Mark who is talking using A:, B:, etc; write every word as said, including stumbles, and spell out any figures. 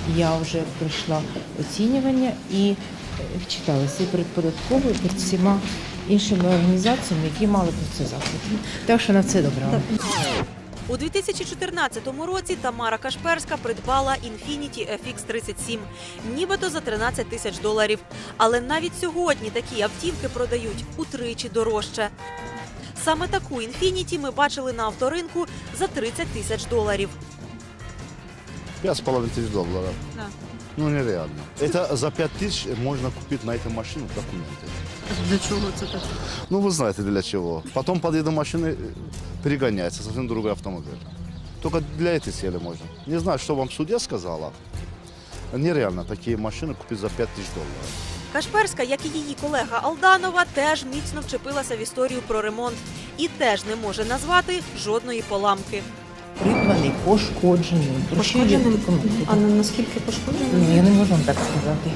A: Я вже пройшла оцінювання і читалася і перед податковою, і перед всіма іншими організаціями, які мали про це запит. Так що на все добре.
B: У дві тисячі чотирнадцятому році Тамара Кашперська придбала Infiniti еф ікс тридцять сім, нібито за тринадцять тисяч доларів. Але навіть сьогодні такі автівки продають утричі дорожче. Саме таку Infiniti ми бачили на авторинку за тридцять тисяч доларів.
C: Пять с половиной тысяч долларов.
B: Да.
C: Ну, нереально. Это за пять тысяч можно купить на эту машину документы.
B: Для чого це так?
C: Ну, вы знаете для чего. Потом подъеду машины, перегоняется, совсем другой автомобиль. Только для этой цели можно. Не знаю, что вам судья сказала. Нереально такие машины купить за пять тысяч долларов.
B: Кашперська, як і її колега Алданова, теж міцно вчепилася в історію про ремонт і теж не може назвати жодної поламки.
A: Придбаний, пошкоджений, пошкоджений документи.
D: А на наскільки пошкоджений?
A: Ну, я не можу вам так сказати.